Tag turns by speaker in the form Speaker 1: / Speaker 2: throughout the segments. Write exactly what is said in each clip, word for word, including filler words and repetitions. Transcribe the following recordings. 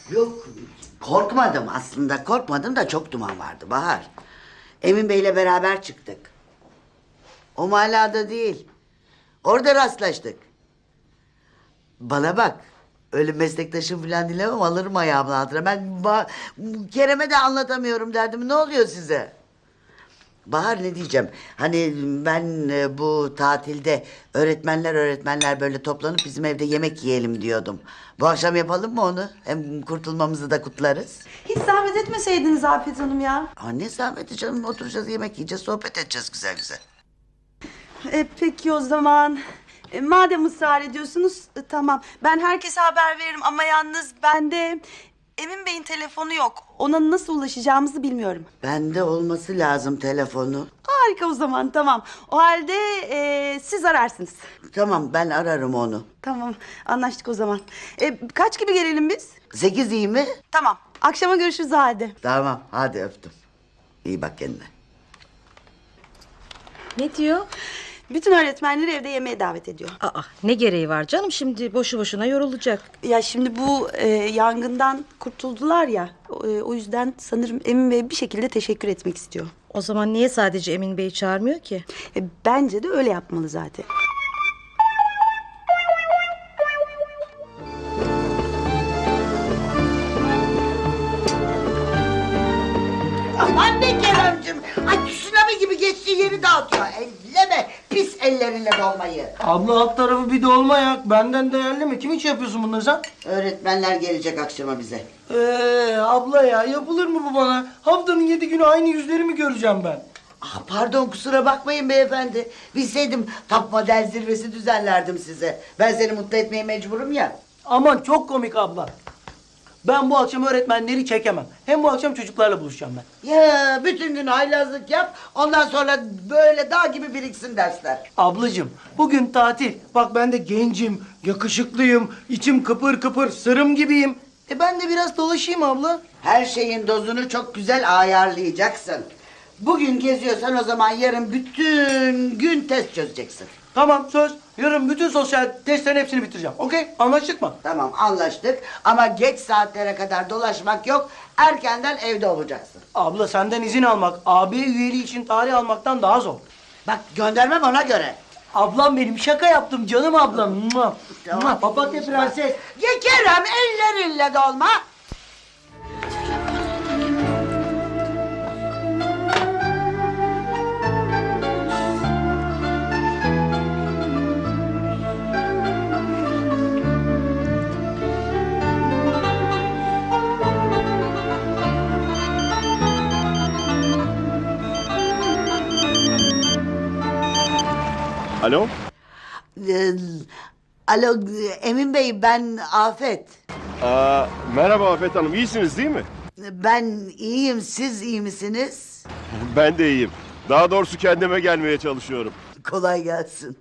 Speaker 1: Yok, korkmadım aslında. Korkmadım da çok duman vardı Bahar. Emin Bey'le beraber çıktık. O mahallada değil. Orada rastlaştık. Bana bak. Öyle meslektaşım falan dilemem, alırım ayağımın altına. Ben ba- Kerem'e de anlatamıyorum derdim. Ne oluyor size? Bahar, ne diyeceğim? Hani ben e, bu tatilde öğretmenler öğretmenler böyle toplanıp bizim evde yemek yiyelim diyordum. Bu akşam yapalım mı onu? Hem kurtulmamızı da kutlarız.
Speaker 2: Hiç zahmet etmeseydiniz Afet Hanım ya.
Speaker 1: Aa, ne zahmeti canım, oturacağız, yemek yiyeceğiz, sohbet edeceğiz güzel güzel.
Speaker 2: E, peki o zaman. E, madem ısrar ediyorsunuz e, tamam. Ben herkese haber veririm ama yalnız bende Emin Bey'in telefonu yok. Ona nasıl ulaşacağımızı bilmiyorum.
Speaker 1: Bende olması lazım telefonu.
Speaker 2: Harika, o zaman tamam. O halde e, siz ararsınız.
Speaker 1: Tamam, ben ararım onu.
Speaker 2: Tamam, anlaştık o zaman. E, kaç gibi gelelim biz?
Speaker 1: Sekiz iyi mi?
Speaker 2: Tamam, akşama görüşürüz o halde.
Speaker 1: Tamam, hadi öptüm. İyi bak kendine.
Speaker 3: Ne diyor?
Speaker 2: Bütün öğretmenleri evde yemeğe davet ediyor.
Speaker 3: Aa, ne gereği var canım, şimdi boşu boşuna yorulacak.
Speaker 2: Ya şimdi bu e, yangından kurtuldular ya. O, e, o yüzden sanırım Emin Bey bir şekilde teşekkür etmek istiyor.
Speaker 3: O zaman niye sadece Emin Bey'i çağırmıyor ki?
Speaker 2: E, bence de öyle yapmalı zaten.
Speaker 1: Aman be Kerem'cim. Ay, tsunami gibi geçtiği yeri dağıtıyor. Elleme pis ellerinle dolmayı.
Speaker 4: Abla alt tarafı bir dolma yak. Benden değerli mi? Kim için yapıyorsun bunları sen?
Speaker 1: Öğretmenler gelecek akşama bize.
Speaker 4: Eee abla ya, yapılır mı bu bana? Haftanın yedi günü aynı yüzleri mi göreceğim ben?
Speaker 1: Ah, pardon, kusura bakmayın beyefendi. Bilseydim top model zirvesi düzenlerdim size. Ben seni mutlu etmeye mecburum ya.
Speaker 4: Aman çok komik abla. Ben bu akşam öğretmenleri çekemem. Hem bu akşam çocuklarla buluşacağım ben.
Speaker 1: Ya bütün gün haylazlık yap. Ondan sonra böyle dağ gibi biriksin dersler.
Speaker 4: Ablacığım bugün tatil. Bak ben de gencim, yakışıklıyım, içim kıpır kıpır, sırım gibiyim. E ben de biraz dolaşayım abla.
Speaker 1: Her şeyin dozunu çok güzel ayarlayacaksın. Bugün geziyorsan o zaman yarın bütün gün test çözeceksin.
Speaker 4: Tamam, söz. Yarın bütün sosyal testlerin hepsini bitireceğim. Okey? Anlaştık mı?
Speaker 1: Tamam, anlaştık ama geç saatlere kadar dolaşmak yok. Erkenden evde olacaksın.
Speaker 4: Abla senden izin almak, A B üyeliği için tarih almaktan daha zor.
Speaker 1: Bak, göndermem ona göre.
Speaker 4: Ablam benim, şaka yaptım canım ablam. Mua,
Speaker 1: Tamam.
Speaker 4: mua, papatya prenses.
Speaker 1: Ya Kerem, ellerinle dolma.
Speaker 5: Alo?
Speaker 1: Ee, alo Emin Bey, ben Afet.
Speaker 5: Aa, merhaba Afet Hanım, iyisiniz değil mi?
Speaker 1: Ben iyiyim, siz iyi misiniz?
Speaker 5: Ben de iyiyim. Daha doğrusu kendime gelmeye çalışıyorum.
Speaker 1: Kolay gelsin.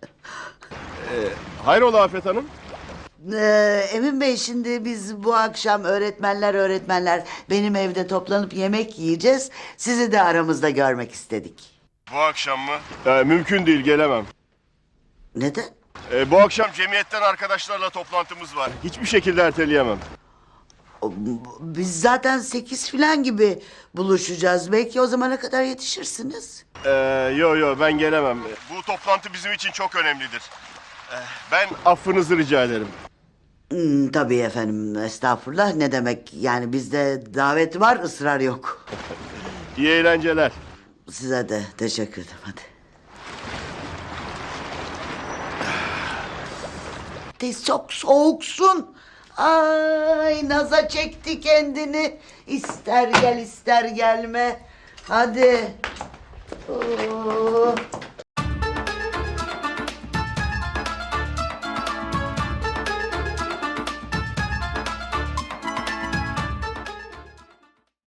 Speaker 5: Hayrola Afet Hanım?
Speaker 1: Ee, Emin Bey, şimdi biz bu akşam öğretmenler öğretmenler benim evde toplanıp yemek yiyeceğiz. Sizi de aramızda görmek istedik.
Speaker 5: Bu akşam mı? Ee, mümkün değil, gelemem.
Speaker 1: Neden?
Speaker 5: Ee, bu akşam cemiyetten arkadaşlarla toplantımız var. Hiçbir şekilde erteleyemem.
Speaker 1: O, Biz zaten sekiz falan gibi buluşacağız. Belki o zamana kadar yetişirsiniz.
Speaker 5: Ee, yo yo, ben gelemem. Bu toplantı bizim için çok önemlidir. Ee, ben affınızı rica ederim.
Speaker 1: Hmm, tabii efendim, estağfurullah, ne demek. Yani bizde davet var, ısrar yok.
Speaker 5: İyi eğlenceler.
Speaker 1: Size de teşekkür ederim, hadi. De çok soğuksun. Ay, naza çekti kendini. İster gel ister gelme. Hadi. Oo.